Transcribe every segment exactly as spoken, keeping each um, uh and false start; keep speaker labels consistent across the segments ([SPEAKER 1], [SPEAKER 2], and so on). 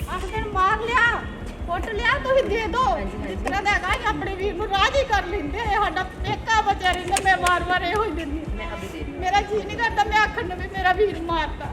[SPEAKER 1] ਅੱਠ ਦਿਨ ਮਾਰ ਲਿਆ, ਕੁੱਟ ਲਿਆ, ਤੁਸੀਂ ਦੇ ਦੋ ਇਸ ਤਰ੍ਹਾਂ ਦਾ ਹੈਗਾ। ਆਪਣੇ ਵੀਰ ਨੂੰ ਰਾਜੀ ਕਰ ਲੈਂਦੇ, ਸਾਡਾ ਪੇਕਾ ਬਚਿਆ ਰਹਿੰਦਾ। ਮੈਂ ਵਾਰ ਵਾਰ ਇਹੋ ਹੀ ਦਿੰਦੀ, ਮੇਰਾ ਜੀ ਨਹੀਂ ਕਰਦਾ ਮੈਂ ਆਖਣ ਨੂੰ ਵੀ ਮੇਰਾ ਵੀਰ ਮਾਰਤਾ।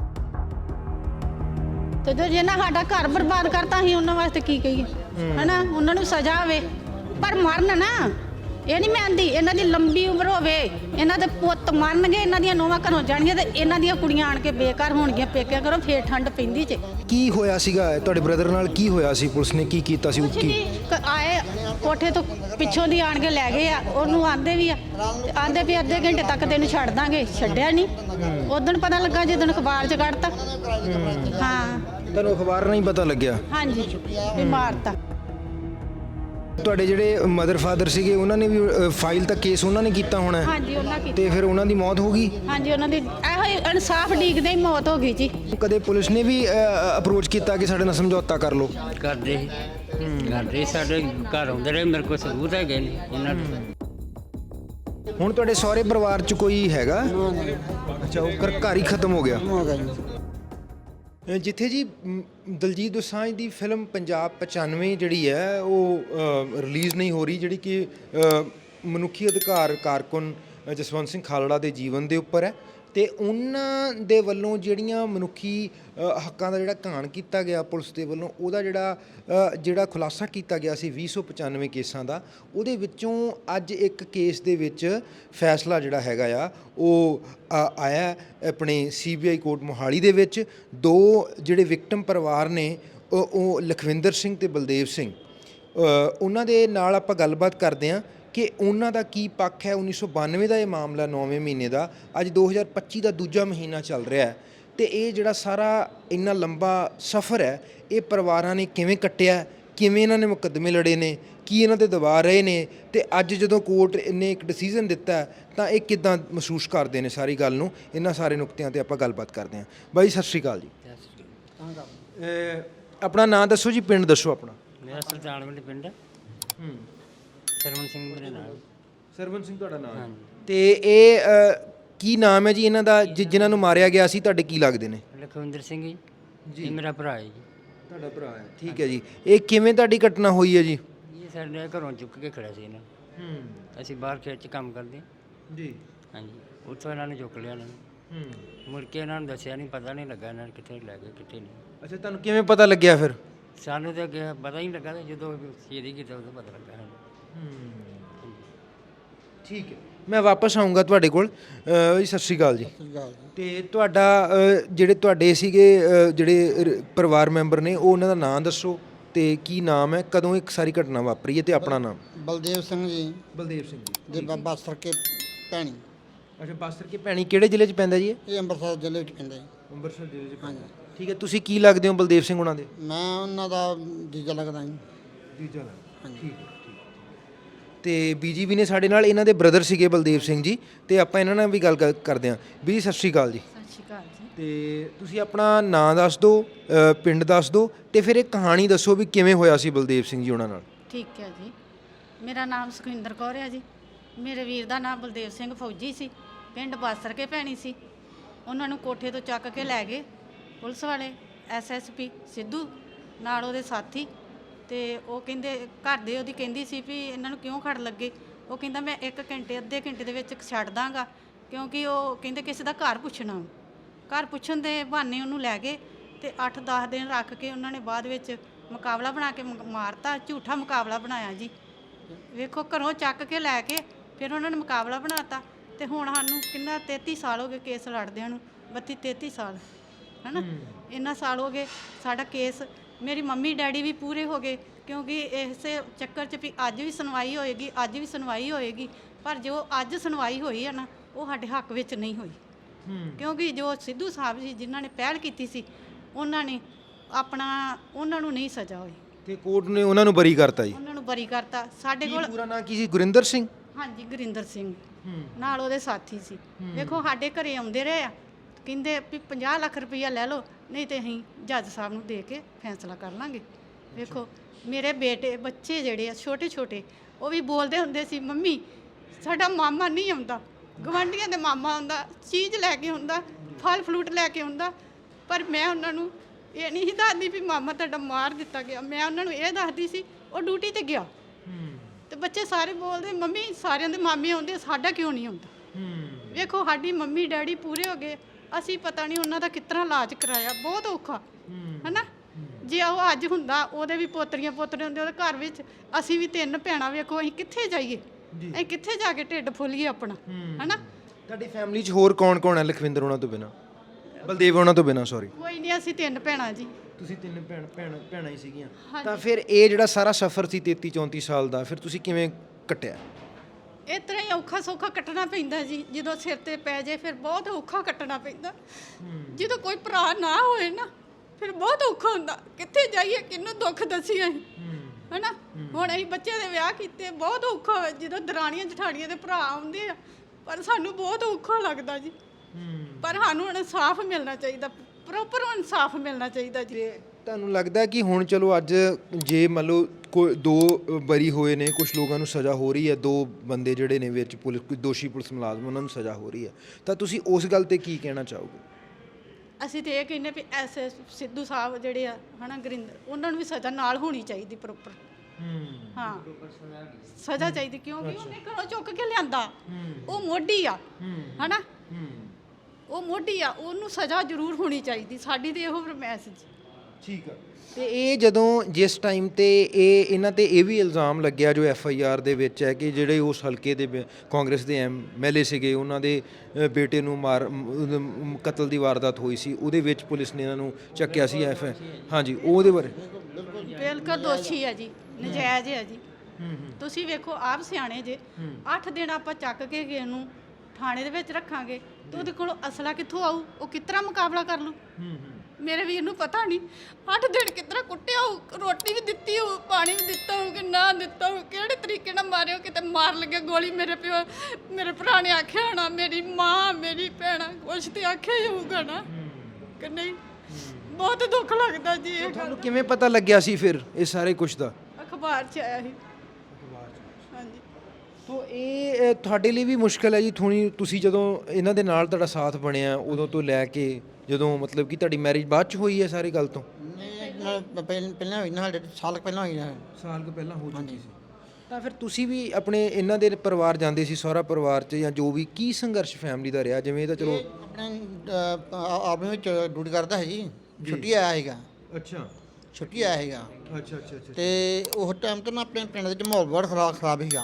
[SPEAKER 1] ਤੇ ਜੋ ਜਿਹਨਾਂ ਸਾਡਾ ਘਰ ਬਰਬਾਦ ਕਰਤਾ ਅਸੀਂ ਉਹਨਾਂ ਵਾਸਤੇ ਕੀ ਕਹੀਏ, ਹਨਾ। ਉਹਨਾਂ ਨੂੰ ਸਜ਼ਾ ਹੋਵੇ ਪਰ ਮਰਨ ਨਾ, ਇਹ ਨਹੀਂ ਮੈਂ ਆਂਦੀ ਇਹਨਾਂ ਦੀ ਲੰਬੀ ਉਮਰ ਹੋਵੇ, ਇਹਨਾਂ ਦੇ ਪੁੱਤ ਮਰਨਗੇ, ਇਹਨਾਂ ਦੀਆਂ ਨੂੰਹਾਂ ਘਰੋਂ ਜਾਣਗੀਆਂ ਤੇ ਇਹਨਾਂ ਦੀਆਂ ਕੁੜੀਆਂ ਆਣ ਕੇ ਬੇਕਾਰ ਹੋਣਗੀਆਂ ਪੇਕਿਆਂ ਕਰੋ, ਫੇਰ ਠੰਡ ਪੈਂਦੀ ਜੇ।
[SPEAKER 2] ਕੀ ਹੋਇਆ ਸੀਗਾ ਤੁਹਾਡੇ ਬ੍ਰਦਰ ਨਾਲ, ਕੀ ਹੋਇਆ ਸੀ? ਪੁਲਿਸ ਨੇ ਕੀ ਕੀਤਾ ਸੀ? ਕੀ
[SPEAKER 1] ਆਏ ਕੋਠੇ ਤੋਂ ਪਿੱਛੋਂ ਦੀ ਆਣ ਕੇ ਲੈ ਗਏ ਆ, ਉਹਨੂੰ ਆਂਦੇ ਵੀ ਆ, ਆਂਦੇ ਵੀ ਅੱਧੇ ਘੰਟੇ ਤੱਕ ਤੈਨੂੰ ਛੱਡ ਦਾਂਗੇ, ਛੱਡਿਆ ਨਹੀਂ। ਉਦੋਂ ਪਤਾ ਲੱਗਾ ਜਦੋਂ ਅਖਬਾਰ 'ਚ ਕੱਢਤਾ। ਹਾਂ,
[SPEAKER 2] ਤੁਹਾਨੂੰ ਅਖਬਾਰ ਨਾਲ ਹੀ ਪਤਾ ਲੱਗਿਆ?
[SPEAKER 1] ਹਾਂਜੀ, ਵੀ ਮਾਰਤਾ।
[SPEAKER 2] ਤੁਹਾਡੇ ਜਿਹੜੇ ਮਦਰ ਫਾਦਰ ਸੀਗੇ ਉਹਨਾਂ ਨੇ ਵੀ ਫਾਈਲ ਤੱਕ ਕੇਸ ਉਹਨਾਂ ਨੇ ਕੀਤਾ ਹੋਣਾ?
[SPEAKER 1] ਹਾਂਜੀ, ਉਹਨਾਂ ਕੀਤਾ।
[SPEAKER 2] ਤੇ ਫਿਰ ਉਹਨਾਂ ਦੀ ਮੌਤ ਹੋ ਗਈ?
[SPEAKER 1] ਹਾਂਜੀ, ਉਹਨਾਂ ਦੀ ਇਹੋ ਹੀ ਇਨਸਾਫ ਡੀਕਦੇ ਹੀ ਮੌਤ ਹੋ ਗਈ ਜੀ।
[SPEAKER 2] ਕਦੇ ਪੁਲਿਸ ਨੇ ਵੀ ਅਪਰੋਚ ਕੀਤਾ ਕਿ ਸਾਡੇ ਨਾਲ ਸਮਝੌਤਾ ਕਰ ਲਓ?
[SPEAKER 3] ਕਰਦੇ ਕਰਦੇ ਸਾਡੇ ਘਰ ਆਉਂਦੇ ਰਹੇ, ਮੇਰੇ ਕੋਲ ਸਬੂਤ ਹੈਗੇ ਨੇ ਉਹਨਾਂ ਦੇ।
[SPEAKER 2] ਹੁਣ ਤੁਹਾਡੇ ਸਹੁਰੇ ਪਰਿਵਾਰ 'ਚ ਕੋਈ ਹੈਗਾ? ਅੱਛਾ, ਉਹ ਘਰ ਘਰ ਹੀ ਖਤਮ ਹੋ ਗਿਆ। ਜਿੱਥੇ ਜੀ ਮ, ਦਲਜੀਤ ਦੋਸਾਂਝ ਦੀ ਫਿਲਮ ਪੰਜਾਬ ਪਚਾਨਵੇਂ ਜਿਹੜੀ ਹੈ ਉਹ ਰਿਲੀਜ਼ ਨਹੀਂ ਹੋ ਰਹੀ, ਜਿਹੜੀ ਕਿ ਅ, ਮਨੁੱਖੀ ਅਧਿਕਾਰ ਕਾਰਕੁਨ ਜਸਵੰਤ ਸਿੰਘ ਖਾਲੜਾ ਦੇ ਜੀਵਨ ਦੇ ਉੱਪਰ ਹੈ। ਤੇ ਉਹਨਾਂ ਦੇ ਵੱਲੋਂ ਜਿਹੜੀਆਂ ਮਨੁੱਖੀ ਅ, ਹੱਕਾਂ ਦਾ ਜਿਹੜਾ ਘਾਣ ਕੀਤਾ ਗਿਆ ਪੁਲਿਸ ਦੇ ਵੱਲੋਂ, ਉਹਦਾ ਜਿਹੜਾ ਅ, ਜਿਹੜਾ ਖੁਲਾਸਾ ਕੀਤਾ ਗਿਆ ਸੀ ਵੀਹ ਸੌ ਪਚਾਨਵੇਂ ਕੇਸਾਂ ਦਾ, ਉਹਦੇ ਵਿੱਚੋਂ ਅੱਜ ਇੱਕ ਕੇਸ ਦੇ ਵਿੱਚ ਫੈਸਲਾ ਜਿਹੜਾ ਹੈਗਾ ਆ ਉਹ ਆ- ਆਇਆ ਆਪਣੇ C B I court Mohali ਦੇ ਵਿੱਚ। ਦੋ ਜਿਹੜੇ ਵਿਕਟਮ ਪਰਿਵਾਰ ਨੇ ਉਹ ਉਹ ਲਖਵਿੰਦਰ ਸਿੰਘ ਤੇ ਬਲਦੇਵ ਸਿੰਘ, ਅ, ਉਹਨਾਂ ਦੇ ਨਾਲ ਆਪਾਂ ਗੱਲਬਾਤ ਕਰਦੇ ਹਾਂ ਕਿ ਉਹਨਾਂ ਦਾ ਕੀ ਪੱਖ ਹੈ। ਉੱਨੀ ਸੌ ਬਾਨਵੇਂ ਦਾ ਇਹ ਮਾਮਲਾ, ਨੌਵੇਂ ਮਹੀਨੇ ਦਾ, ਅੱਜ ਦੋ ਹਜ਼ਾਰ ਪੱਚੀ ਦਾ ਦੂਜਾ ਮਹੀਨਾ ਚੱਲ ਰਿਹਾ ਹੈ। ਤੇ ਇਹ ਜਿਹੜਾ ਸਾਰਾ ਇੰਨਾ ਲੰਬਾ ਸਫ਼ਰ ਹੈ, ਇਹ ਪਰਿਵਾਰਾਂ ਨੇ ਕਿਵੇਂ ਕੱਟਿਆ, ਕਿਵੇਂ ਇਹਨਾਂ ਨੇ ਮੁਕੱਦਮੇ ਲੜੇ ਨੇ, ਕੀ ਇਹਨਾਂ ਤੇ ਦਬਾਅ ਰਹੇ ਨੇ, ਤੇ ਅੱਜ ਜਦੋਂ ਕੋਰਟ ਨੇ ਇੱਕ ਡਿਸੀਜਨ ਦਿੱਤਾ ਹੈ ਤਾਂ ਇਹ ਕਿੱਦਾਂ ਮਹਿਸੂਸ ਕਰਦੇ ਨੇ, ਸਾਰੀ ਗੱਲ ਨੂੰ, ਇਹਨਾਂ ਸਾਰੇ ਨੁਕਤਿਆਂ ਤੇ ਆਪਾਂ ਗੱਲਬਾਤ ਕਰਦੇ ਹਾਂ। ਬਾਈ ਸਤਿ ਸ਼੍ਰੀ ਅਕਾਲ ਜੀ। ਅਹ ਆਪਣਾ ਨਾਂ ਦੱਸੋ ਜੀ, ਪਿੰਡ ਦੱਸੋ ਆਪਣਾ।
[SPEAKER 3] ਮੇਰਾ ਸੁਲਤਾਨਵੰਡ ਪਿੰਡ ਹੈ।
[SPEAKER 2] ਹੂੰ,
[SPEAKER 3] ਸਰਵਨ ਸਿੰਘ ਮੇਰੇ ਨਾਲ।
[SPEAKER 2] ਸਰਵਨ ਸਿੰਘ ਤੁਹਾਡਾ ਨਾਮ?
[SPEAKER 3] ਹਾਂਜੀ।
[SPEAKER 2] ਤੇ ਇਹ ਅ, ਕੀ ਨਾਮ ਹੈ ਜੀ ਇਹਨਾਂ ਦਾ, ਜਿ- ਜਿਨ੍ਹਾਂ ਨੂੰ ਮਾਰਿਆ ਗਿਆ ਸੀ? ਤੁਹਾਡੇ ਕੀ ਲੱਗਦੇ ਨੇ?
[SPEAKER 3] ਲਖਵਿੰਦਰ ਸਿੰਘ ਜੀ, ਇਹ ਮੇਰਾ ਭਰਾ ਹੈ ਜੀ।
[SPEAKER 2] ਤੁਹਾਡਾ ਭਰਾ ਹੈ, ਠੀਕ ਹੈ ਜੀ। ਇਹ ਕਿਵੇਂ ਤੁਹਾਡੀ ਘਟਨਾ ਹੋਈ ਹੈ ਜੀ?
[SPEAKER 3] ਇਹ ਸਾਡੇ ਘਰੋਂ ਚੁੱਕ ਕੇ ਖੜਿਆ ਸੀ ਇਹਨਾਂ।
[SPEAKER 2] ਹੂੰ
[SPEAKER 3] ਅਸੀਂ ਬਾਹਰ ਖੇਤ 'ਚ ਕੰਮ ਕਰਦੇ ਹਾਂ।
[SPEAKER 2] ਜੀ।
[SPEAKER 3] ਹਾਂਜੀ, ਉੱਥੋਂ ਇਹਨਾਂ ਨੇ ਚੁੱਕ ਲਿਆ ਇਹਨਾਂ ਨੇ।
[SPEAKER 2] ਹੂੰ,
[SPEAKER 3] ਮੁੜ ਕੇ ਇਹਨਾਂ ਨੂੰ ਦੱਸਿਆ ਨਹੀਂ, ਪਤਾ ਨਹੀਂ ਲੱਗਾ ਇਹਨਾਂ ਨੇ ਕਿੱਥੇ ਲੈ ਗਏ ਕਿੱਥੇ ਨਹੀਂ।
[SPEAKER 2] ਅੱਛਾ, ਤੁਹਾਨੂੰ ਕਿਵੇਂ ਪਤਾ ਲੱਗਿਆ ਫਿਰ?
[SPEAKER 3] ਸਾਨੂੰ ਤਾਂ ਅੱਗੇ ਪਤਾ ਹੀ ਨਹੀਂ ਲੱਗਾ, ਤੇ ਜਦੋਂ ਸ਼ੇਰੀ ਕੀਤਾ ਉਦੋਂ ਪਤਾ ਲੱਗਾ ਸਾਨੂੰ।
[SPEAKER 2] ਠੀਕ ਹੈ, ਮੈਂ ਵਾਪਸ ਆਉਂਗਾ ਤੁਹਾਡੇ ਕੋਲ। ਅ, ਜੀ ਸਤਿ ਸ਼੍ਰੀ ਅਕਾਲ ਜੀ। ਤੇ ਤੁਹਾਡਾ ਅ, ਜਿਹੜੇ ਤੁਹਾਡੇ ਸੀਗੇ ਅ, ਜਿਹੜੇ ਰ- ਪਰਿਵਾਰ ਮੈਂਬਰ ਨੇ, ਉਹ ਉਹਨਾਂ ਦਾ ਨਾਮ ਦੱਸੋ ਤੇ ਕੀ ਨਾਮ ਹੈ, ਕਦੋਂ ਇੱਕ ਸਾਰੀ ਘਟਨਾ ਵਾਪਰੀ ਹੈ, ਤੇ ਆਪਣਾ ਨਾਮ?
[SPEAKER 4] ਬਲਦੇਵ ਸਿੰਘ ਜੀ,
[SPEAKER 2] ਬਲਦੇਵ ਸਿੰਘ ਜੀ।
[SPEAKER 4] ਜੇ ਬਾਬਾ ਸਰ ਕੇ ਭੈਣੀ,
[SPEAKER 2] ਅੱਛਾ, ਬਾਸਰ ਕੇ ਭੈਣੀ ਕਿਹੜੇ ਜ਼ਿਲ੍ਹੇ 'ਚ ਪੈਂਦਾ ਜੀ ਇਹ?
[SPEAKER 4] ਇਹ ਅੰਮ੍ਰਿਤਸਰ ਜ਼ਿਲ੍ਹੇ ਵਿੱਚ ਪੈਂਦਾ ਜੀ।
[SPEAKER 2] ਅੰਮ੍ਰਿਤਸਰ ਜ਼ਿਲ੍ਹੇ 'ਚ
[SPEAKER 4] ਹਾਂਜੀ,
[SPEAKER 2] ਠੀਕ ਹੈ। ਤੁਸੀਂ ਕੀ ਲੱਗਦੇ ਹੋ ਬਲਦੇਵ ਸਿੰਘ ਉਹਨਾਂ ਦੇ?
[SPEAKER 4] ਮੈਂ ਉਹਨਾਂ ਦਾ ਜੀਜਾ ਲੱਗਦਾ ਜੀ।
[SPEAKER 2] ਜੀਜਾ ਲੱਗਦਾ,
[SPEAKER 4] ਹਾਂਜੀ।
[SPEAKER 2] ਠੀਕ ਹੈ। ਤੇ ਬੀਜੀ ਵੀ ਨੇ ਸਾਡੇ ਨਾਲ, ਇਹਨਾਂ ਦੇ ਬ੍ਰਦਰ ਸੀਗੇ ਬਲਦੇਵ ਸਿੰਘ ਜੀ, ਤੇ ਆਪਾਂ ਇਹਨਾਂ ਨਾਲ ਵੀ ਗੱਲ ਕਰ- ਕਰਦੇ ਹਾਂ। ਬੀਜੀ ਸਤਿ ਸ਼੍ਰੀ ਅਕਾਲ ਜੀ।
[SPEAKER 1] ਸਤਿ ਸ਼੍ਰੀ ਅਕਾਲ ਜੀ।
[SPEAKER 2] ਤੇ ਤੁਸੀਂ ਆਪਣਾ ਨਾਂ ਦੱਸ ਦਿਓ, ਅ, ਪਿੰਡ ਦੱਸ ਦਿਓ, ਤੇ ਫਿਰ ਇਹ ਕਹਾਣੀ ਦੱਸੋ ਵੀ ਕਿਵੇਂ ਹੋਇਆ ਸੀ ਬਲਦੇਵ ਸਿੰਘ ਜੀ ਉਹਨਾਂ ਨਾਲ।
[SPEAKER 1] ਠੀਕ ਹੈ ਜੀ, ਮੇਰਾ ਨਾਮ ਸੁਖਵਿੰਦਰ ਕੌਰ ਹੈ ਜੀ। ਮੇਰੇ ਵੀਰ ਦਾ ਨਾਮ ਬਲਦੇਵ ਸਿੰਘ ਫੌਜੀ ਸੀ, ਪਿੰਡ ਬਾਸਰ ਕੇ ਭੈਣੀ ਸੀ। ਉਹਨਾਂ ਨੂੰ ਕੋਠੇ ਤੋਂ ਚੱਕ ਕੇ ਲੈ ਗਏ ਪੁਲਿਸ ਵਾਲੇ, ਐਸ ਐਸ ਪੀ ਸਿੱਧੂ ਨਾਲ ਉਹਦੇ ਸਾਥੀ। ਤੇ ਉਹ ਕਹਿੰਦੇ, ਘਰ ਦੇ ਉਹਦੀ ਕਹਿੰਦੀ ਸੀ ਵੀ ਇਹਨਾਂ ਨੂੰ ਕਿਉਂ ਖੜ ਲੱਗੇ। ਉਹ ਕਹਿੰਦਾ ਮੈਂ ਇੱਕ ਘੰਟੇ ਅੱਧੇ ਘੰਟੇ ਦੇ ਵਿੱਚ ਛੱਡ ਦਾਂਗਾ, ਕਿਉਂਕਿ ਉਹ ਕਹਿੰਦੇ ਕਿਸੇ ਦਾ ਘਰ ਪੁੱਛਣਾ। ਘਰ ਪੁੱਛਣ ਦੇ ਬਹਾਨੇ ਉਹਨੂੰ ਲੈ ਗਏ ਤੇ ਅੱਠ ਦਸ ਦਿਨ ਰੱਖ ਕੇ ਉਹਨਾਂ ਨੇ ਬਾਅਦ ਵਿੱਚ ਮੁਕਾਬਲਾ ਬਣਾ ਕੇ ਮ- ਮਾਰਤਾ। ਝੂਠਾ ਮੁਕਾਬਲਾ ਬਣਾਇਆ ਜੀ। ਵੇਖੋ, ਘਰੋਂ ਚੱਕ ਕੇ ਲੈ ਕੇ ਫਿਰ ਉਹਨਾਂ ਨੇ ਮੁਕਾਬਲਾ ਬਣਾਤਾ। ਤੇ ਹੁਣ ਸਾਨੂੰ ਕਿੰਨਾ ਤੇਤੀ ਸਾਲ ਹੋ ਗਏ ਕੇਸ ਲੜਦਿਆਂ ਨੂੰ, ਬੱਤੀ ਤੇਤੀ ਸਾਲ ਹੈ ਨਾ, ਇੰਨਾ ਸਾਲ ਹੋ ਗਏ ਸਾਡਾ ਕੇਸ। ਮੇਰੀ ਮੰਮੀ ਡੈਡੀ ਵੀ ਪੂਰੇ ਹੋ ਗਏ, ਕਿਉਂਕਿ ਇਸੇ ਚੱਕਰ 'ਚ ਵੀ ਅੱਜ ਵੀ ਸੁਣਵਾਈ ਹੋਏਗੀ, ਅੱਜ ਵੀ ਸੁਣਵਾਈ ਹੋਏਗੀ। ਪਰ ਜੋ ਅੱਜ ਸੁਣਵਾਈ ਹੋਈ ਹੈ ਨਾ, ਉਹ ਸਾਡੇ ਹੱਕ ਵਿੱਚ ਨਹੀਂ ਹੋਈ, ਕਿਉਂਕਿ ਜੋ ਸਿੱਧੂ ਸਾਹਿਬ ਜੀ ਜਿਨ੍ਹਾਂ ਨੇ ਪਹਿਲ ਕੀਤੀ ਸੀ, ਉਹਨਾਂ ਨੇ ਆਪਣਾ ਉਹਨਾਂ ਨੂੰ ਨਹੀਂ ਸਜ਼ਾ ਹੋਈ।
[SPEAKER 2] ਤੇ ਕੋਰਟ ਨੇ ਉਹਨਾਂ ਨੂੰ ਬਰੀ ਕਰਤਾ ਜੀ?
[SPEAKER 1] ਉਹਨਾਂ ਨੂੰ ਬਰੀ ਕਰਤਾ। ਸਾਡੇ
[SPEAKER 2] ਕੀ
[SPEAKER 1] ਕੋਲ
[SPEAKER 2] ਪੂਰਾ ਨਾਂ ਕੀ ਸੀ? ਗੁਰਿੰਦਰ ਸਿੰਘ?
[SPEAKER 1] ਹਾਂਜੀ, ਗੁਰਿੰਦਰ ਸਿੰਘ ਨਾਲ ਉਹਦੇ ਸਾਥੀ ਸੀ। ਵੇਖੋ, ਸਾਡੇ ਘਰੇ ਆਉਂਦੇ ਰਹੇ ਆ, ਕਹਿੰਦੇ ਵੀ ਪੰਜਾਹ ਲੱਖ ਰੁਪਈਆ ਲੈ ਲਓ, ਨਹੀਂ ਤੇ ਅਸੀਂ ਜੱਜ ਸਾਹਿਬ ਨੂੰ ਦੇ ਕੇ ਫੈਸਲਾ ਕਰ ਲਾਂਗੇ। ਵੇਖੋ, ਮੇਰੇ ਬੇਟੇ ਬੱਚੇ ਜਿਹੜੇ ਆ ਛੋਟੇ ਛੋਟੇ, ਉਹ ਵੀ ਬੋਲਦੇ ਹੁੰਦੇ ਸੀ, ਮੰਮੀ ਸਾਡਾ ਮਾਮਾ ਨਹੀਂ ਆਉਂਦਾ, ਗਵਾਂਢੀਆਂ ਦੇ ਮਾਮਾ ਆਉਂਦਾ, ਚੀਜ਼ ਲੈ ਕੇ ਆਉਂਦਾ, ਫਲ ਫਲੂਟ ਲੈ ਕੇ ਆਉਂਦਾ। ਪਰ ਮੈਂ ਉਹਨਾਂ ਨੂੰ ਇਹ ਨਹੀਂ ਸੀ ਦੱਸਦੀ ਵੀ ਮਾਮਾ ਤੁਹਾਡਾ ਮਾਰ ਦਿੱਤਾ ਗਿਆ। ਮੈਂ ਉਹਨਾਂ ਨੂੰ ਇਹ ਦੱਸਦੀ ਸੀ ਉਹ ਡਿਊਟੀ ਤੇ ਗਿਆ। ਤੇ ਬੱਚੇ ਸਾਰੇ ਬੋਲਦੇ ਮੰਮੀ ਸਾਰਿਆਂ ਦੇ ਮਾਮੇ ਆਉਂਦੇ, ਸਾਡਾ ਕਿਉਂ ਨਹੀਂ ਆਉਂਦਾ। ਵੇਖੋ ਸਾਡੀ ਮੰਮੀ ਡੈਡੀ ਪੂਰੇ ਹੋ ਗਏ, ਅਸੀਂ ਪਤਾ ਨਹੀਂ ਉਹਨਾਂ ਦਾ ਕਿਸ ਤਰ੍ਹਾਂ ਇਲਾਜ ਕਰਾਇਆ, ਬਹੁਤ ਔਖਾ ਹੈਨਾ। ਜੇ ਉਹ ਅੱਜ ਹੁੰਦਾ ਉਹਦੇ ਵੀ ਪੋਤਰੀਆਂ ਪੋਤਰੇ ਹੁੰਦੇ ਉਹਦੇ ਘਰ ਵਿੱਚ, ਅਸੀਂ ਵੀ ਤਿੰਨ ਭੈਣਾਂ, ਵੇਖੋ ਅਸੀਂ ਕਿੱਥੇ ਜਾਈਏ, ਅਸੀਂ ਕਿੱਥੇ ਜਾ ਕੇ ਢਿੱਡ ਫੁੱਲੀਏ ਆਪਣਾ ਹੈਨਾ।
[SPEAKER 2] ਤੁਹਾਡੀ ਫੈਮਿਲੀ 'ਚ ਹੋਰ ਕੌਣ ਕੌਣ ਹੈ ਲਖਵਿੰਦਰ ਉਹਨਾਂ ਤੋਂ ਬਿਨਾਂ, ਬਲਦੇਵ ਉਹਨਾਂ ਤੋਂ ਬਿਨਾਂ? ਸੌਰੀ,
[SPEAKER 1] ਕੋਈ ਨਹੀਂ, ਅਸੀਂ ਤਿੰਨ ਭੈਣਾਂ ਜੀ।
[SPEAKER 2] ਤੁਸੀਂ ਤਿੰਨ ਭੈਣ ਭੈਣ ਭੈਣਾਂ ਹੀ ਸੀਗੀਆਂ।
[SPEAKER 1] ਹਾਂਜੀ।
[SPEAKER 2] ਤਾਂ ਫਿਰ ਇਹ ਜਿਹੜਾ ਸਾਰਾ ਸਫ਼ਰ ਸੀ ਤੇਤੀ ਚੌਂਤੀ ਸਾਲ ਦਾ, ਫਿਰ ਤੁਸੀਂ ਕਿਵੇਂ ਕੱਟਿਆ?
[SPEAKER 1] ਇਸ ਤਰ੍ਹਾਂ ਹੀ ਔਖਾ ਸੌਖਾ ਕੱਟਣਾ ਪੈਂਦਾ ਜੀ। ਜਦੋਂ ਸਿਰ ਤੇ ਪੈ ਜਾਏ ਫਿਰ ਬਹੁਤ ਔਖਾ ਕੱਟਣਾ ਪੈਂਦਾ। ਜਦੋਂ ਕੋਈ ਭਰਾ ਨਾ ਹੋਏ ਨਾ ਫਿਰ ਬਹੁਤ ਔਖਾ ਹੁੰਦਾ, ਕਿੱਥੇ ਜਾਈਏ, ਕਿਹਨੂੰ ਦੁੱਖ ਦੱਸੀਏ ਅਸੀਂ ਹੈਨਾ। ਹੁਣ ਅਸੀਂ ਬੱਚੇ ਦੇ ਵਿਆਹ ਕੀਤੇ, ਬਹੁਤ ਔਖਾ ਹੋਇਆ ਜਦੋਂ ਦਰਾਣੀਆਂ ਜਠਾਣੀਆਂ ਦੇ ਭਰਾ ਆਉਂਦੇ ਆ, ਪਰ ਸਾਨੂੰ ਬਹੁਤ ਔਖਾ ਲੱਗਦਾ ਜੀ। ਪਰ ਸਾਨੂੰ ਇਨਸਾਫ ਮਿਲਣਾ ਚਾਹੀਦਾ, ਪ੍ਰੋਪਰ ਇਨਸਾਫ ਮਿਲਣਾ ਚਾਹੀਦਾ ਜੀ।
[SPEAKER 2] ਤੁਹਾਨੂੰ ਲੱਗਦਾ ਕਿ ਹੁਣ ਚਲੋ ਅੱਜ ਜੇ ਮੰਨ ਲਓ ਕੋਈ ਦੋ ਬਰੀ ਹੋਏ ਨੇ, ਕੁਝ ਲੋਕਾਂ ਨੂੰ ਸਜ਼ਾ ਹੋ ਰਹੀ ਹੈ, ਦੋ ਬੰਦੇ ਜਿਹੜੇ ਨੇ ਵਿੱਚ ਪੁਲਿਸ ਕੋਈ ਦੋਸ਼ੀ ਪੁਲਿਸ ਮੁਲਾਜ਼ਮ ਉਹਨਾਂ ਨੂੰ ਸਜ਼ਾ ਹੋ ਰਹੀ ਹੈ, ਤਾਂ ਤੁਸੀਂ ਉਸ ਗੱਲ ਤੇ ਕੀ ਕਹਿਣਾ ਚਾਹੋਗੇ?
[SPEAKER 1] ਅਸੀਂ ਤੇ ਇਹ ਕਹਿੰਦੇ ਵੀ ਐਸੇ ਸਿੱਧੂ ਸਾਹਿਬ ਜਿਹੜੇ ਆ ਹਨਾ ਗੁਰਿੰਦਰ, ਉਹਨਾਂ ਨੂੰ ਵੀ ਸਜ਼ਾ ਨਾਲ ਹੋਣੀ ਚਾਹੀਦੀ ਪ੍ਰੋਪਰ। ਹਾਂ ਸਜ਼ਾ ਚਾਹੀਦੀ, ਕਿਉਂਕਿ ਉਹਨੇ ਘਰੋਂ ਚੁੱਕ ਕੇ ਲਿਆਂਦਾ, ਉਹ ਮੋਢੀ ਆ ਹਨਾ, ਉਹ ਮੋਢੀ ਆ, ਉਹਨੂੰ ਸਜ਼ਾ ਜ਼ਰੂਰ ਹੋਣੀ ਚਾਹੀਦੀ। ਸਾਡੀ ਤੇ ਇਹੋ ਫਰਮਾਇਸ਼ ਜੀ।
[SPEAKER 2] ਠੀਕ ਆ। ਤੇ ਇਹ ਜਦੋਂ ਜਿਸ ਟਾਈਮ ਤੇ ਇਹ ਇਹਨਾਂ ਤੇ ਇਹ ਵੀ ਇਲਜ਼ਾਮ ਲੱਗਿਆ ਜੋ ਐਫ ਆਈ ਆਰ ਦੇ ਵਿੱਚ ਹੈ ਕਿ ਜਿਹੜੇ ਉਸ ਹਲਕੇ ਦੇ ਬ- ਕਾਂਗਰਸ ਦੇ ਐਮ ਐਲ ਏ ਸੀਗੇ, ਉਹਨਾਂ ਦੇ ਅ, ਬੇਟੇ ਨੂੰ ਮਾਰ ਮ- ਉਹਦੇ ਮ- ਕਤਲ ਦੀ ਵਾਰਦਾਤ ਹੋਈ ਸੀ, ਉਹਦੇ ਵਿੱਚ ਪੁਲਿਸ ਨੇ ਇਹਨਾਂ ਨੂੰ ਚੱਕਿਆ ਸੀ ਐਫ ਹਾਂਜੀ, ਉਹਦੇ ਬਾਰੇ
[SPEAKER 1] ਬਿਲਕੁਲ ਦੋਸ਼ੀ ਆ ਜੀ, ਨਜਾਇਜ਼ ਆ ਜੀ। ਤੁਸੀਂ ਵੇਖੋ ਆਪ ਸਿਆਣੇ ਜੇ, ਅੱਠ ਦਿਨ ਆਪਾਂ ਚੱਕ ਕੇ ਗਏ ਨੂੰ ਥਾਣੇ ਦੇ ਵਿੱਚ ਰੱਖਾਂਗੇ ਤੇ ਉਹਦੇ ਕੋਲ ਅਸਲਾ ਕਿੱਥੋਂ ਆਊ, ਉਹ ਕਿਸ ਤਰ੍ਹਾਂ ਮੁਕਾਬਲਾ ਕਰ ਲੂ। ਮੇਰੇ ਵੀਰ ਨੂੰ ਪਤਾ ਨਹੀਂ ਅੱਠ ਦਿਨ ਕਿਸ ਤਰ੍ਹਾਂ ਕੁੱਟਿਆ ਹੋਊ, ਰੋਟੀ ਵੀ ਦਿੱਤੀ ਹੋਊ, ਪਾਣੀ ਵੀ ਦਿੱਤਾ ਹੋਊ ਕਿ ਨਾ ਦਿੱਤਾ ਹੋਊ, ਕਿਹੜੇ ਤਰੀਕੇ ਨਾਲ ਮਾਰਿਓ, ਕਿਤੇ ਮਾਰ ਲੱਗੇ ਗੋਲੀ। ਮੇਰੇ ਪਿਓ ਮੇਰੇ ਭਰਾ ਨੇ ਆਖਿਆ ਹੋਣਾ, ਮੇਰੀ ਮਾਂ ਮੇਰੀ ਭੈਣਾਂ ਕੁਛ ਤੇ ਆਖਿਆ ਹੀ ਹੋਊਗਾ ਨਾ ਕਿ ਨਹੀਂ। ਬਹੁਤ ਦੁੱਖ ਲੱਗਦਾ ਜੀ ਇਹ ਗੱਲ।
[SPEAKER 2] ਤੁਹਾਨੂੰ ਕਿਵੇਂ ਪਤਾ ਲੱਗਿਆ ਸੀ ਫਿਰ ਇਹ ਸਾਰੇ ਕੁਝ ਦਾ?
[SPEAKER 1] ਅਖਬਾਰ 'ਚ ਆਇਆ ਸੀ। ਹਾਂਜੀ।
[SPEAKER 2] ਤੋ ਇਹ ਅ, ਤੁਹਾਡੇ ਲਈ ਵੀ ਮੁਸ਼ਕਲ ਹੈ ਜੀ ਥੋੜੀ, ਤੁਸੀਂ ਜਦੋਂ ਇਹਨਾਂ ਦੇ ਨਾਲ ਤੁਹਾਡਾ ਸਾਥ ਬਣਿਆ ਉਦੋਂ ਤੋਂ ਲੈ ਕੇ ਜਦੋਂ ਮਤਲਬ ਕਿ ਤੁਹਾਡੀ ਮੈਰਿਜ ਬਾਅਦ ਚ ਹੋਈ ਹੈ ਸਾਰੀ ਗੱਲ ਤੋਂ?
[SPEAKER 4] ਨਹੀਂ ਨਾਲ ਪਹਿ- ਪਹਿਲਾਂ ਹੋਈ ਨਾ, ਸਾਡੇ ਸਾਲ ਕੁ ਪਹਿਲਾਂ ਹੋਈ ਨਾ।
[SPEAKER 2] ਸਾਲ ਕੁ ਪਹਿਲਾਂ ਹੋ
[SPEAKER 4] ਹਾਂਜੀ।
[SPEAKER 2] ਤਾਂ ਫਿਰ ਤੁਸੀਂ ਵੀ ਆਪਣੇ ਇਹਨਾਂ ਦੇ ਪਰਿਵਾਰ ਜਾਂਦੇ ਸੀ, ਸਹੁਰਾ ਪਰਿਵਾਰ ਚ ਜਾਂ ਜੋ ਵੀ, ਕੀ ਸੰਘਰਸ਼ ਫੈਮਿਲੀ ਦਾ ਰਿਹਾ? ਜਿਵੇਂ ਇਹ ਤਾਂ ਚਲੋ
[SPEAKER 4] ਆਪਣੇ ਆਰਮੀ ਵਿੱਚ ਡਿਊਟੀ ਕਰਦਾ ਹੈ ਜੀ, ਛੁੱਟੀ ਆਇਆ ਹੈਗਾ।
[SPEAKER 2] ਅੱਛਾ
[SPEAKER 4] ਛੁੱਟੀ ਆਇਆ ਹੈਗਾ
[SPEAKER 2] ਅੱਛਾ ਅੱਛਾ ਅੱਛਾ
[SPEAKER 4] ਤੇ ਉਸ ਟਾਈਮ ਤੇ ਨਾ ਆਪਣੇ ਪਿੰਡ ਵਿੱਚ ਮਾਹੌਲ ਬਹੁਤ ਖਰਾਬ ਖਰਾਬ ਸੀਗਾ।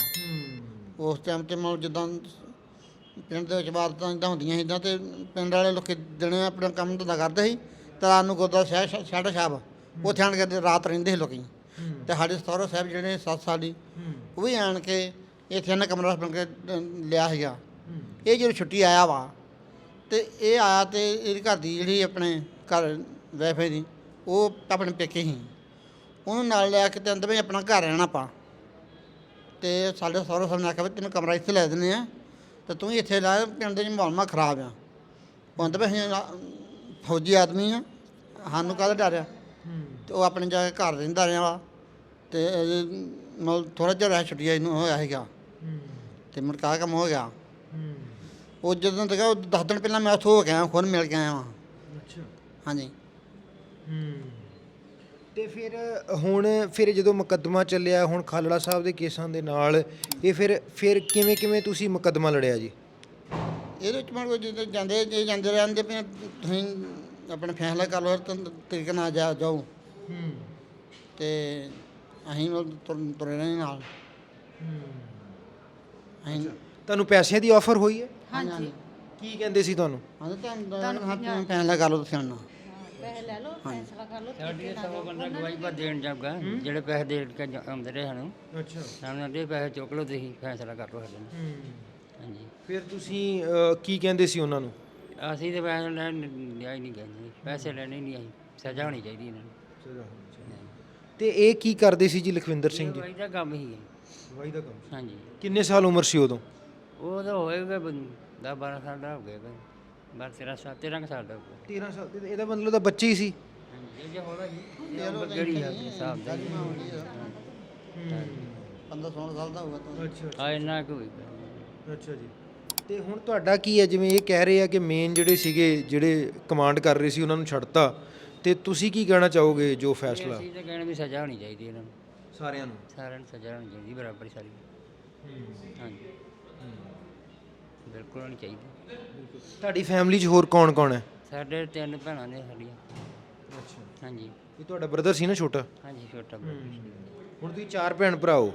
[SPEAKER 4] ਉਸ ਟਾਈਮ ਤੇ ਮਤਲਬ ਜਿੱਦਾਂ ਪਿੰਡ ਦੇ ਵਿੱਚ ਵਾਰਦਾਤਾਂ ਇੱਦਾਂ ਹੁੰਦੀਆਂ ਸੀ, ਇੱਦਾਂ ਤੇ ਪਿੰਡ ਵਾਲੇ ਲੋਕ ਦਿਨੇ ਆਪਣਾ ਕੰਮ ਧੰਦਾ ਕਰਦੇ ਸੀ ਤੇ ਰਾਤ ਨੂੰ ਗੁਰਦੁਆਰਾ ਸਾਹਿਬ ਸਾਡਾ ਸਾਹਿਬ ਉੱਥੇ ਆਣ ਕੇ ਰਾਤ ਰਹਿੰਦੇ ਸੀ ਲੋਕੀ। ਤੇ ਸਾਡੇ ਸਹੁਰਾ ਸਾਹਿਬ ਜਿਹੜੇ ਸੱਤ ਸਾਲੀ ਉਹ ਵੀ ਆਣ ਕੇ ਇੱਥੇ ਇਹਨਾਂ ਕਮਰਾ ਬਣ ਕੇ ਅ, ਲਿਆ ਸੀਗਾ। ਇਹ ਜਦੋਂ ਛੁੱਟੀ ਆਇਆ ਵਾ ਤੇ ਇਹ ਆਇਆ ਤੇ ਇਹਦੀ ਘਰ ਦੀ ਜਿਹੜੀ ਆਪਣੇ ਘਰ ਵੈਫੇ ਦੀ ਉਹ ਆਪਣੇ ਪੇਕੇ ਸੀ, ਉਹਨੂੰ ਨਾਲ ਲਿਆ ਕੇ ਤੇ ਅੰਦਰ ਵੀ ਆਪਣਾ ਘਰ ਰਹਿਣਾ ਆਪਾਂ। ਤੇ ਸਾਡੇ ਸਹੁਰਾ ਸਾਹਿਬ ਨੇ ਆਖਿਆ ਵੀ ਤੈਨੂੰ ਕਮਰਾ ਇੱਥੇ ਲੈ ਦਿੰਦੇ ਆ ਤੇ ਤੂੰ ਹੀ ਇੱਥੇ ਰਹਿ, ਪਿੰਡ ਦੇ ਮਾਹੌਲ ਮਾ ਖਰਾਬ ਆ। ਉਹ ਅੰਦਰ ਵੀ ਅਸੀਂ ਫੌਜੀ ਆਦਮੀ ਆ, ਸਾਨੂੰ ਕਾਹਦਾ ਡਰ ਆ। ਤੇ ਉਹ ਆਪਣੇ ਜਾ ਕੇ ਘਰ ਰਹਿੰਦਾ ਰਿਹਾ ਵਾ ਤੇ ਮਤਲਬ ਥੋੜ੍ਹਾ ਜਿਹਾ ਰਹਿ ਛੁੱਟੀਆਂ ਇਹਨੂੰ ਹੋਇਆ ਸੀਗਾ ਤੇ ਮੁੜ ਕੇ ਆਹ ਕੰਮ ਹੋ ਗਿਆ। ਉਹ ਜਦੋਂ ਤੱਕ ਉਹ ਦਸ ਦਿਨ ਪਹਿਲਾਂ ਮੈਂ ਉੱਥੋਂ ਹੋ ਕੇ ਆਇਆ, ਖੁਦ ਮਿਲ ਕੇ ਆਇਆ ਵਾਂ।
[SPEAKER 2] ਅੱਛਾ
[SPEAKER 4] ਹਾਂਜੀ।
[SPEAKER 2] ਤੇ ਫਿਰ ਹੁਣ ਫਿਰ ਜਦੋਂ ਮੁਕੱਦਮਾ ਚੱਲਿਆ ਹੁਣ ਖਾਲੜਾ ਸਾਹਿਬ ਦੇ ਕੇਸਾਂ ਦੇ ਨਾਲ, ਇਹ ਫਿਰ ਫਿਰ ਕਿਵੇਂ ਕਿਵੇਂ ਤੁਸੀਂ ਮੁਕੱਦਮਾ ਲੜਿਆ ਜੀ?
[SPEAKER 4] ਇਹਦੇ ਵਿੱਚ ਮਨ ਜਦੋਂ ਜਾਂਦੇ ਜੇ ਜਾਂਦੇ ਰਹਿੰਦੇ ਵੀ ਤੁਸੀਂ ਆਪਣਾ ਫੈਸਲਾ ਕਰ ਲਓ ਤਾਂ ਤਰੀਕੇ ਨਾਲ ਜਾ ਜਾਓ ਤੇ ਅਸੀਂ ਉਹ ਤੁਰ- ਤੁਰੇ ਰਹੇ ਨਾਲ। ਅਸੀਂ
[SPEAKER 2] ਤੁਹਾਨੂੰ ਪੈਸਿਆਂ ਦੀ ਆਫਰ ਹੋਈ ਹੈ?
[SPEAKER 1] ਹਾਂਜੀ।
[SPEAKER 2] ਕੀ ਕਹਿੰਦੇ ਸੀ ਤੁਹਾਨੂੰ?
[SPEAKER 4] ਹਾਂ ਤੁਹਾਨੂੰ ਫੈਸਲਾ ਕਰ ਲਓ ਤੁਸੀਂ ਹੁਣ।
[SPEAKER 1] ਪੈਸੇ ਲੈ ਲਓ, ਫੈਸਲਾ ਕਰ ਲਓ।
[SPEAKER 3] ਸਾਡੀ ਸੌ ਬੰਦਾ ਗਵਾਹੀ ਪਰ ਦੇਣ ਜਾਊਗਾ, ਜਿਹੜੇ ਪੈਸੇ ਦੇ ਕੇ ਜਾ- ਆਉਂਦੇ ਰਹੇ ਸਾਨੂੰ,
[SPEAKER 2] ਅੱਛਾ।
[SPEAKER 3] ਸਾਨੂੰ ਦੇ ਪੈਸੇ ਚੁੱਕ ਲਓ, ਤੁਸੀਂ ਫੈਸਲਾ ਕਰ ਲਓ ਸਾਡੇ ਨਾਲ। ਹਾਂਜੀ।
[SPEAKER 2] ਫਿਰ ਤੁਸੀਂ ਅ, ਕੀ ਕਹਿੰਦੇ ਸੀ ਉਹਨਾਂ ਨੂੰ?
[SPEAKER 3] ਅਸੀਂ ਤੇ ਪੈਸੇ ਲੈਣ ਲਿਆ ਹੀ ਨਹੀਂ ਗਏ ਜੀ, ਪੈਸੇ ਲੈਣੇ ਨਹੀਂ, ਅਸੀਂ ਸਜ਼ਾ ਹੋਣੀ ਚਾਹੀਦੀ ਇਹਨਾਂ ਨੂੰ।
[SPEAKER 2] ਤੇ ਇਹ ਕੀ ਕਰਦੇ ਸੀ ਜੀ ਲਖਵਿੰਦਰ ਸਿੰਘ ਜੀ?
[SPEAKER 3] ਗਵਾਹੀ ਦਾ ਕੰਮ ਹੀ ਹੈ।
[SPEAKER 2] ਵਾਈ ਦਾ ਕੰਮ।
[SPEAKER 3] ਹਾਂਜੀ।
[SPEAKER 2] ਕਿੰਨੇ ਸਾਲ ਉਮਰ ਸੀ ਉਦੋਂ?
[SPEAKER 3] ਉਹ ਤਾਂ ਹੋਏਗਾ ਦਸ ਬਾਰਾਂ ਸਾਲ ਦਾ ਹੋ ਗਿਆ, ਬਾਰਾਂ ਤੇਰਾਂ ਸਾਲ ਤੇਰਾਂ ਕੁ ਸਾਲ ਦਾ ਹੋ ਗਿਆ।
[SPEAKER 2] ਤੇਰਾਂ ਸਾਲ ਤੇ ਇਹਦਾ ਮਤਲਬ ਤਾਂ ਬੱਚੇ ਹੀ ਸੀ।
[SPEAKER 3] ਹਾਂਜੀ। ਇਹ ਜੇ ਹੋਣਾ ਜੀ ਜਿਹੜੀ ਹੈ ਹਿਸਾਬ ਦਾ
[SPEAKER 4] ਪੰਦਰਾਂ ਸੋਲਾਂ ਸਾਲ ਦਾ ਹੋਊਗਾ ਤਾਂ।
[SPEAKER 2] ਅੱਛਾ
[SPEAKER 3] ਆ ਇੰਨਾ ਕੁ ਹੋਏਗਾ।
[SPEAKER 2] ਅੱਛਾ ਜੀ। ਤੇ ਹੁਣ ਤੁਹਾਡਾ ਕੀ ਹੈ, ਜਿਵੇਂ ਇਹ ਕਹਿ ਰਹੇ ਆ ਕਿ ਮੇਨ ਜਿਹੜੇ ਸੀਗੇ ਜਿਹੜੇ ਕਮਾਂਡ ਕਰ ਰਹੇ ਸੀ ਉਹਨਾਂ ਨੂੰ ਛੱਡਤਾ, ਤੇ ਤੁਸੀਂ ਕੀ ਕਹਿਣਾ ਚਾਹੋਗੇ ਜੋ ਫੈਸਲਾ
[SPEAKER 3] ਅਸੀਂ ਤਾਂ ਕਹਿਣਾ ਵੀ ਸਜ਼ਾ ਹੋਣੀ ਚਾਹੀਦੀ ਇਹਨਾਂ ਨੂੰ,
[SPEAKER 2] ਸਾਰਿਆਂ ਨੂੰ?
[SPEAKER 3] ਸਾਰਿਆਂ ਨੂੰ ਸਜ਼ਾ ਹੋਣੀ ਚਾਹੀਦੀ ਬਰਾਬਰ ਸਾਰੀ। ਹਾਂਜੀ ਬਿਲਕੁਲ ਹੋਣੀ ਚਾਹੀਦੀ।
[SPEAKER 2] ਤੁਹਾਡੀ ਫੈਮਿਲੀ 'ਚ ਹੋਰ ਕੌਣ ਕੌਣ ਹੈ?
[SPEAKER 3] ਸਾਡੇ ਤਿੰਨ ਭੈਣਾਂ ਨੇ ਸਾਡੀਆਂ।
[SPEAKER 2] ਅੱਛਾ,
[SPEAKER 3] ਹਾਂਜੀ
[SPEAKER 2] ਇਹ ਤੁਹਾਡਾ ਬ੍ਰਦਰ ਸੀ ਨਾ ਛੋਟਾ?
[SPEAKER 3] ਹਾਂਜੀ ਛੋਟਾ brother ਸੀ।
[SPEAKER 2] ਹੁਣ ਤੁਸੀਂ ਚਾਰ ਭੈਣ ਭਰਾ ਹੋ?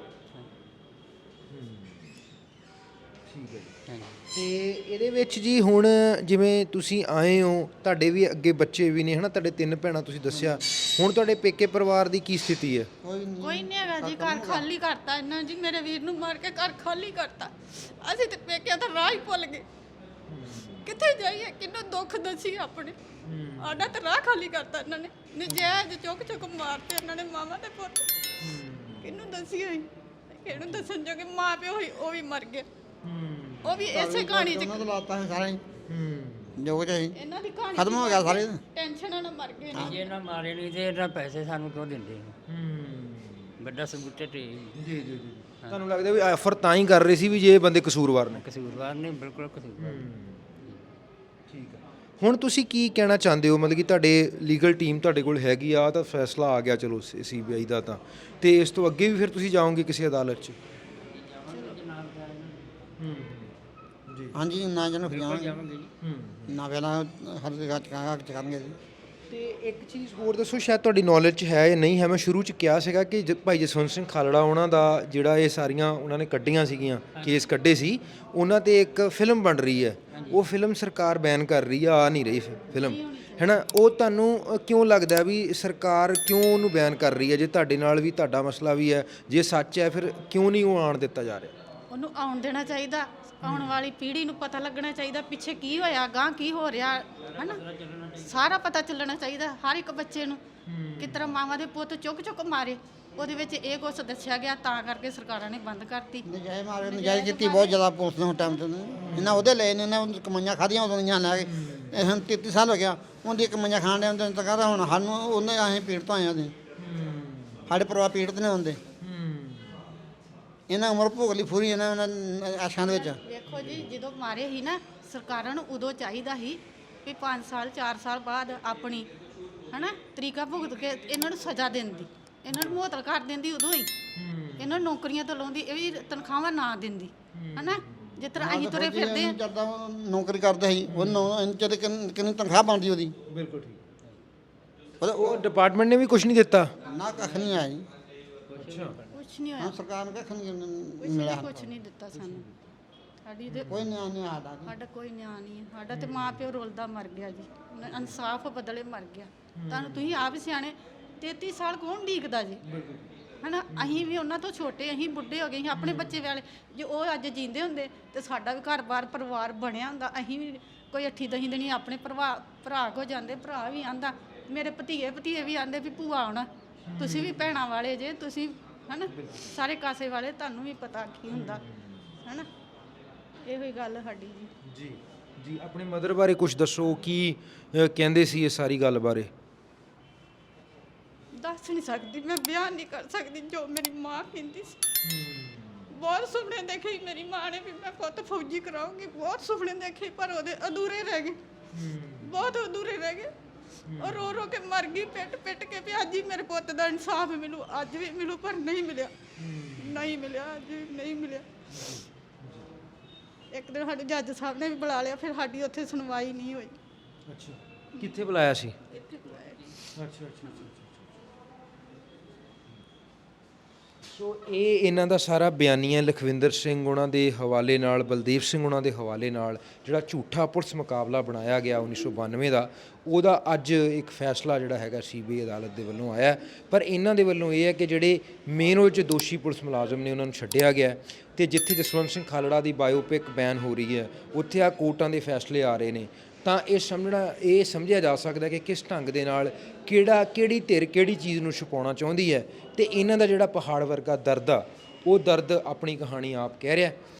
[SPEAKER 2] ਠੀਕ ਹੈ ਜੀ।
[SPEAKER 3] ਹਾਂਜੀ
[SPEAKER 2] ਤੇ ਇਹਦੇ ਵਿੱਚ ਜੀ ਹੁਣ ਜਿਵੇਂ ਤੁਸੀਂ ਆਏ ਹੋ, ਤੁਹਾਡੇ ਵੀ ਅੱਗੇ ਬੱਚੇ ਵੀ ਨੇ ਹਨਾ, ਤੁਹਾਡੇ ਤਿੰਨ ਭੈਣਾਂ ਤੁਸੀਂ ਦੱਸਿਆ, ਹੁਣ ਤੁਹਾਡੇ ਪੇਕੇ ਪਰਿਵਾਰ ਦੀ ਕੀ ਸਥਿਤੀ ਹੈ?
[SPEAKER 4] ਕੋਈ ਨਹੀਂ
[SPEAKER 1] ਕੋਈ ਨਹੀਂ ਹੈਗਾ ਜੀ, ਘਰ ਖਾਲੀ ਕਰਤਾ ਇਹਨਾਂ ਜੀ, ਮੇਰੇ ਵੀਰ ਨੂੰ ਮਾਰ ਕੇ ਘਰ ਖਾਲੀ ਕਰਤਾ। ਅਸੀਂ ਤੇ ਪੇਕਿਆਂ ਦਾ ਰਾਹ ਹੀ ਭੁੱਲ ਗਏ, ਕਿੱਥੇ ਜਾਈਏ, ਕਿੰਨਾ ਦੁੱਖ ਦੱਸੀ ਆਪਣੇ। ਸਾਡਾ ਤਾਂ ਰਾਹ ਖਾਲੀ ਕਰਤਾ ਇਹਨਾਂ ਨੇ, ਨਜਾਇਜ਼ ਚੁੱਕ ਚੁੱਕ ਮਾਰਤੇ ਇਹਨਾਂ ਨੇ ਮਾਵਾਂ ਤੇ ਪੁੱਤ। ਕਿਹਨੂੰ ਦੱਸੀਏ, ਕਿਹਨੂੰ ਦੱਸਣ ਜੋਗੇ ਮਾਂ ਪਿਓ ਹੀ ਉਹ ਵੀ ਮਰ ਗਏ। ਉਹ ਵੀ ਇਸੇ ਕਹਾਣੀ 'ਚ
[SPEAKER 4] ਉਹਨਾਂ ਦਾ ਲਾਤਾ ਹੈ ਸਾਰਾ ਹੀ ਜੋ ਕੁਝ ਸੀ
[SPEAKER 1] ਇਹਨਾਂ ਦੀ ਕਹਾਣੀ
[SPEAKER 4] ਖਤਮ ਹੋ ਗਿਆ ਸਾਰੇ।
[SPEAKER 1] ਟੈਨਸ਼ਨਾਂ ਨਾਲ ਮਰ ਗਏ ਨੇ।
[SPEAKER 3] ਜੇ ਇਹਨਾਂ ਮਾਰੇ ਨਹੀਂ ਤੇ ਇਹਨਾਂ ਪੈਸੇ ਸਾਨੂੰ ਕਿਉਂ ਦਿੰਦੇ ਨੇ? ਵੱਡਾ ਸਬੂਤ ਤੇ
[SPEAKER 2] ਜੀ ਜੀ ਜੀ ਤੁਹਾਨੂੰ ਲੱਗਦਾ ਵੀ ਆਫਰ ਤਾਂ ਹੀ ਕਰ ਰਹੇ ਸੀ ਵੀ ਜੇ ਇਹ ਬੰਦੇ ਕਸੂਰਵਾਰ ਨੇ?
[SPEAKER 3] ਕਸੂਰਵਾਰ ਨੇ, ਬਿਲਕੁਲ ਕਸੂਰਵਾਰ।
[SPEAKER 2] ਠੀਕ ਹੈ। ਹੁਣ ਤੁਸੀਂ ਕੀ ਕਹਿਣਾ ਚਾਹੁੰਦੇ ਹੋ, ਮਤਲਬ ਕਿ ਤੁਹਾਡੇ ਲੀਗਲ ਟੀਮ ਤੁਹਾਡੇ ਕੋਲ ਹੈਗੀ ਆ, ਤਾਂ ਫੈਸਲਾ ਆ ਗਿਆ ਚਲੋ ਸੀਬੀਆਈ ਦਾ, ਤਾਂ ਤੇ ਇਸ ਤੋਂ ਅੱਗੇ ਵੀ ਫਿਰ ਤੁਸੀਂ ਜਾਓਗੇ ਕਿਸੇ ਅਦਾਲਤ 'ਚ? ਜੀ
[SPEAKER 4] ਹਾਂਜੀ ਨਾ ਜਨ ਫਿਰਾਂਗੇ
[SPEAKER 3] ਜਾਵਾਂਗੇ ਜੀ।
[SPEAKER 4] ਨਾ ਪਹਿਲਾਂ ਹਰ ਜਗ੍ਹਾ ਚਕਾਂਗਾ ਚਕਾਂਗੇ ਜੀ।
[SPEAKER 2] ਤੇ ਇੱਕ ਚੀਜ਼ ਹੋਰ ਦੱਸੋ, ਸ਼ਾਇਦ ਤੁਹਾਡੀ ਨੌਲੇਜ 'ਚ ਹੈ ਜਾਂ ਨਹੀਂ ਹੈ, ਮੈਂ ਸ਼ੁਰੂ 'ਚ ਕਿਹਾ ਸੀਗਾ ਕਿ ਜ- ਭਾਈ ਜਸਵੰਤ ਸਿੰਘ ਖਾਲੜਾ ਉਹਨਾਂ ਦਾ ਜਿਹੜਾ ਇਹ ਸਾਰੀਆਂ ਉਹਨਾਂ ਨੇ ਕੱਢੀਆਂ ਸੀਗੀਆਂ, ਕੇਸ ਕੱਢੇ ਸੀ, ਉਹਨਾਂ ਤੇ ਇੱਕ ਫਿਲਮ ਬਣ ਰਹੀ ਹੈ, ਉਹ ਫਿਲਮ ਸਰਕਾਰ ਬੈਨ ਕਰ ਰਹੀ ਆ, ਆ ਨਹੀਂ ਰਹੀ ਫਿਲਮ ਹੈ ਨਾ। ਉਹ ਤੁਹਾਨੂੰ ਅ, ਕਿਉਂ ਲੱਗਦਾ ਵੀ ਸਰਕਾਰ ਕਿਉਂ ਉਹਨੂੰ ਬੈਨ ਕਰ ਰਹੀ ਹੈ? ਜੇ ਤੁਹਾਡੇ ਨਾਲ ਵੀ ਤੁਹਾਡਾ ਮਸਲਾ ਵੀ ਹੈ, ਜੇ ਸੱਚ ਹੈ, ਫਿਰ ਕਿਉਂ ਨਹੀਂ ਉਹ ਆਉਣ ਦਿੱਤਾ ਜਾ ਰਿਹਾ?
[SPEAKER 1] ਉਹਨੂੰ ਆਉਣ ਦੇਣਾ ਚਾਹੀਦਾ, ਆਉਣ ਵਾਲੀ ਪੀੜ੍ਹੀ ਨੂੰ ਪਤਾ ਲੱਗਣਾ ਚਾਹੀਦਾ ਪਿੱਛੇ ਕੀ ਹੋਇਆ, ਗਾਂ ਕੀ ਹੋ ਰਿਹਾ, ਹਨਾ, ਸਾਰਾ ਪਤਾ ਚੱਲਣਾ ਚਾਹੀਦਾ ਹਰ ਇੱਕ ਬੱਚੇ ਨੂੰ। ਕਿਸ ਤਰ੍ਹਾਂ ਮਾਵਾਂ ਦੇ ਪੁੱਤ ਚੁੱਕ ਚੁੱਕ ਮਾਰੇ, ਉਹਦੇ ਵਿੱਚ ਇਹ ਕੁਛ ਦੱਸਿਆ ਗਿਆ, ਤਾਂ ਕਰਕੇ ਸਰਕਾਰਾਂ ਨੇ ਬੰਦ ਕਰਤੀ।
[SPEAKER 4] ਨਜਾਇਜ਼ ਮਾਰੇ, ਨਜਾਇਜ਼ ਕੀਤੀ ਬਹੁਤ ਜ਼ਿਆਦਾ ਪੁਲਿਸ ਨੇ ਟਾਈਮ ਤੇ ਇਹਨਾਂ ਉਹਦੇ ਲਏ ਨੇ, ਇਹਨਾਂ ਕਮਾਈਆਂ ਖਾਧੀਆਂ ਉਦੋਂ ਦੀਆਂ ਲੈ ਕੇ। ਇਹ ਹੁਣ ਤੇਤੀ ਸਾਲ ਹੋ ਗਿਆ ਉਹਦੀ ਕਮਾਈਆਂ ਖਾਣ ਦੇ ਹੁੰਦੇ ਤਾਂ ਕਹਿੰਦਾ ਹੁਣ ਸਾਨੂੰ ਉਹਨੇ ਅਸੀਂ ਪੀੜਤ ਹੋਏ ਹਾਂ, ਸਾਡੇ ਪਰਿਵਾਰ ਪੀੜਤ ਨੇ ਹੁੰਦੇ। ਇਹਨਾਂ ਉਮਰ ਭੋਗ ਲਈ ਫੂਰੀ ਇਹਨਾਂ ਇਹਨਾਂ ਆਸ਼ਾਂ ਦੇ ਵਿੱਚ।
[SPEAKER 1] ਦੇਖੋ ਜੀ, ਜਦੋਂ ਮਾਰੇ ਸੀ ਨਾ, ਸਰਕਾਰਾਂ ਨੂੰ ਉਦੋਂ ਚਾਹੀਦਾ ਸੀ ਵੀ ਪੰਜ ਸਾਲ ਚਾਰ ਸਾਲ ਬਾਅਦ ਆਪਣੀ ਹਨਾ ਤਰੀਕਾ ਭੁਗਤ ਕੇ ਇਹਨਾਂ ਨੂੰ ਸਜ਼ਾ ਦਿੰਦੀ, ਇਹਨਾਂ ਨੂੰ ਮੁਅੱਤਲ ਕਰ ਦਿੰਦੀ ਉਦੋਂ ਹੀ, ਇਹਨਾਂ ਨੂੰ ਨੌਕਰੀਆਂ ਤੋਂ ਲਾਉਂਦੀ, ਇਹ ਵੀ ਤਨਖਾਹਾਂ ਨਾ ਦਿੰਦੀ, ਹਨਾ, ਜਿਸ ਤਰ੍ਹਾਂ ਅਸੀਂ ਤੁਰੇ ਫਿਰਦੇ ਹਾਂ।
[SPEAKER 4] ਜਦਾਂ ਨੌਕਰੀ ਕਰਦੇ ਸੀ ਉਹਨੂੰ ਚਲੇ ਕਿੰਨੀ ਤਨਖਾਹ ਬਣਦੀ ਉਹਦੀ।
[SPEAKER 2] ਬਿਲਕੁਲ ਠੀਕ।
[SPEAKER 4] ਉਹਦਾ-
[SPEAKER 2] ਉਹ ਡਿਪਾਰਟਮੈਂਟ ਨੇ ਵੀ ਕੁਝ ਨਹੀਂ ਦਿੱਤਾ?
[SPEAKER 4] ਨਾ ਕੱਖ ਨਹੀਂ ਆਇਆ ਜੀ।
[SPEAKER 2] ਅੱਛਾ।
[SPEAKER 1] ਕੁਛ ਨਹੀਂ ਹੋਇਆ,
[SPEAKER 4] ਹਾਂ ਸਰਕਾਰ ਨੇ ਕੱਖ ਨਹੀਂ
[SPEAKER 1] ਕੁਛ
[SPEAKER 4] ਮਿਲਿਆ।
[SPEAKER 1] ਨਹੀਂ ਕੁਛ ਨਹੀਂ ਦਿੱਤਾ ਸਾਨੂੰ, ਸਾਡੀ ਤੇ
[SPEAKER 4] ਕੋਈ ਨਿਆਂ ਨਹੀਂ ਆਦਾ ਜੀ।
[SPEAKER 1] ਸਾਡਾ ਕੋਈ ਨਿਆਂ ਨਹੀਂ ਹੈ, ਸਾਡਾ ਤੇ ਮਾਂ ਪਿਓ ਰੁਲਦਾ ਮਰ ਗਿਆ ਜੀ, ਇਨਸਾਫ ਬਦਲੇ ਮਰ ਗਿਆ। ਤੁਹਾਨੂੰ ਤੁਸੀਂ ਆਪ ਸਿਆਣੇ, ਤੇਤੀ ਸਾਲ ਕੌਣ ਢੀਕਦਾ ਜੀ, ਹਨਾ, ਅਸੀਂ ਵੀ ਉਹਨਾਂ ਤੋਂ ਛੋਟੇ, ਅਸੀਂ ਬੁੱਢੇ ਹੋ ਗਏ, ਅਸੀਂ ਆਪਣੇ ਬੱਚੇ ਵਾਲੇ, ਜੇ ਉਹ ਅੱਜ ਜੀਂਦੇ ਹੁੰਦੇ ਤੇ ਸਾਡਾ ਵੀ ਘਰ-ਬਾਰ ਪਰਿਵਾਰ ਬਣਿਆ ਹੁੰਦਾ, ਅਸੀਂ ਵੀ ਕੋਈ ਅੱਠੀ ਦਹੀਂ ਦਿਨੀ ਆਪਣੇ ਭਰਾ ਭਰਾ ਕੋ ਜਾਂਦੇ, ਭਰਾ ਵੀ ਆਂਦਾ, ਮੇਰੇ ਭਤੀਏ ਭਤੀਏ ਵੀ ਆਂਦੇ ਵੀ ਭੂਆ ਆਉਣਾ, ਤੁਸੀਂ ਵੀ ਭੈਣਾਂ ਵਾਲੇ ਜੇ, ਤੁਸੀਂ ਹਨਾ ਸਾਰੇ ਕਾਸੇ ਵਾਲੇ, ਤੁਹਾਨੂੰ ਵੀ ਪਤਾ ਕੀ ਹੁੰਦਾ, ਹਨਾ, ਇਹੋ ਹੀ ਗੱਲ ਸਾਡੀ ਜੀ।
[SPEAKER 2] ਜੀ ਜੀ ਆਪਣੇ ਮਦਰ ਬਾਰੇ ਕੁਝ ਦੱਸੋ, ਕੀ ਅ, ਕਹਿੰਦੇ ਸੀ ਇਸ ਸਾਰੀ ਗੱਲ ਬਾਰੇ?
[SPEAKER 1] ਦੱਸ ਨਹੀਂ ਸਕਦੀ, ਮੈਂ ਬਿਆਨ ਨਹੀਂ ਕਰ ਸਕਦੀ ਜੋ ਮੇਰੀ ਮਾਂ ਕਹਿੰਦੀ ਸੀ। ਬਹੁਤ ਸੁਪਨੇ ਦੇਖੇ ਮੇਰੀ ਮਾਂ ਨੇ ਵੀ ਮੈਂ ਪੁੱਤ ਫੌਜੀ ਕਰਾਉਂਗੀ, ਬਹੁਤ ਸੁਪਨੇ ਦੇਖੇ, ਪਰ ਉਹਦੇ ਅਧੂਰੇ ਰਹਿ ਗਏ, ਬਹੁਤ ਅਧੂਰੇ ਰਹਿ ਗਏ। ਉਹ ਰੋ ਰੋ ਕੇ ਮਰ ਗਈ, ਪਿੱਟ ਪਿੱਟ ਕੇ ਵੀ ਅੱਜ ਹੀ ਮੇਰੇ ਪੁੱਤ ਦਾ ਇਨਸਾਫ ਮਿਲੂ, ਅੱਜ ਵੀ ਮਿਲੂ, ਪਰ ਨਹੀਂ ਮਿਲਿਆ, ਨਹੀਂ ਮਿਲਿਆ, ਅੱਜ ਵੀ ਨਹੀਂ ਮਿਲਿਆ। ਇੱਕ ਦਿਨ ਸਾਡੇ ਜੱਜ ਸਾਹਿਬ ਨੇ ਵੀ ਬੁਲਾ ਲਿਆ, ਫਿਰ ਸਾਡੀ ਉੱਥੇ ਸੁਣਵਾਈ ਨਹੀਂ ਹੋਈ।
[SPEAKER 2] ਅੱਛਾ, ਕਿੱਥੇ ਬੁਲਾਇਆ ਸੀ?
[SPEAKER 1] ਇੱਥੇ ਬੁਲਾਇਆ।
[SPEAKER 2] ਅੱਛਾ ਅੱਛਾ ਅੱਛਾ। ਸੋ ਇਹ ਇਹਨਾਂ ਦਾ ਸਾਰਾ ਬਿਆਨੀਆ ਲਖਵਿੰਦਰ ਸਿੰਘ ਉਹਨਾਂ ਦੇ ਹਵਾਲੇ ਨਾਲ, ਬਲਦੇਵ ਸਿੰਘ ਉਹਨਾਂ ਦੇ ਹਵਾਲੇ ਨਾਲ, ਜਿਹੜਾ ਝੂਠਾ ਪੁਲਿਸ ਮੁਕਾਬਲਾ ਬਣਾਇਆ ਗਿਆ ਉੱਨੀ ਸੌ ਬਾਨਵੇਂ ਦਾ, ਉਹਦਾ ਅੱਜ ਇੱਕ ਫੈਸਲਾ ਜਿਹੜਾ ਹੈਗਾ ਸੀਬੀਆਈ ਅਦਾਲਤ ਦੇ ਵੱਲੋਂ ਆਇਆ। ਪਰ ਇਹਨਾਂ ਦੇ ਵੱਲੋਂ ਇਹ ਹੈ ਕਿ ਜਿਹੜੇ ਮੇਨ ਉਹ 'ਚ ਦੋਸ਼ੀ ਪੁਲਿਸ ਮੁਲਾਜ਼ਮ ਨੇ ਉਹਨਾਂ ਨੂੰ ਛੱਡਿਆ ਗਿਆ, ਤੇ ਜਿੱਥੇ ਜਸਵੰਤ ਸਿੰਘ ਖਾਲੜਾ ਦੀ ਬਾਇਓਪਿਕ ਬੈਨ ਹੋ ਰਹੀ ਹੈ, ਉੱਥੇ ਆ ਕੋਰਟਾਂ ਦੇ ਫੈਸਲੇ ਆ ਰਹੇ ਨੇ। ਤਾਂ ਇਹ ਸਮਝਣਾ ਇਹ ਸਮਝਿਆ ਜਾ ਸਕਦਾ ਕਿ ਕਿਸ ਢੰਗ ਦੇ ਨਾਲ ਕਿਹੜਾ ਕਿਹੜੀ ਧਿਰ ਕਿਹੜੀ ਚੀਜ਼ ਨੂੰ ਛੁਪਾਉਣਾ ਚਾਹੁੰਦੀ ਹੈ, ਤੇ ਇਹਨਾਂ ਦਾ ਜਿਹੜਾ ਪਹਾੜ ਵਰਗਾ ਦਰਦ ਆ, ਉਹ ਦਰਦ ਆਪਣੀ ਕਹਾਣੀ ਆਪ ਕਹਿ ਰਿਹਾ।